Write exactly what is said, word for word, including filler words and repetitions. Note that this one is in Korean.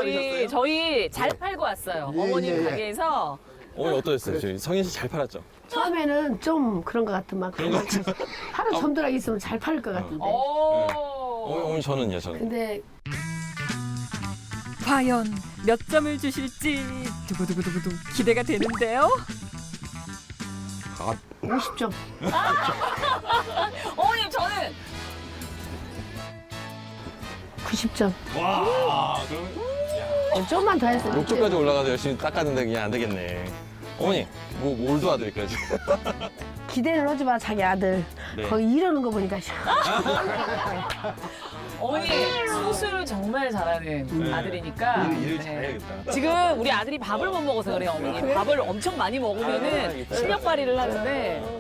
저희 저희 잘 팔고 왔어요. 예, 어머님 예, 예. 가게에서. 어머니 어떠셨어요? 지금 성인 씨 잘 팔았죠? 처음에는 좀 그런 것 같더만 하루 손들어 있으면 잘 팔릴 것 같은데. 오. 어머니, 어머니 저는요, 저는. 근데 과연 몇 점을 주실지 두구두구두구두 기대가 되는데요. 오십 점. 어머님 저는 구십 점. 와, 그럼 어, 좀만 더 했어요. 욕조까지 올라가서 열심히 닦았는데 그냥 안 되겠네. 어머니, 뭐, 뭘 도와드릴까요, 지금? 기대를 하지 마, 자기 아들. 네. 거기 이러는 거 보니까. 어머니 수술을 정말 잘하는 아들이니까. 일, 일을 네. 잘해야겠다. 지금 우리 아들이 밥을 못 먹어서 그래요, 어머니. 밥을 엄청 많이 먹으면은 실력 발휘를 하는데.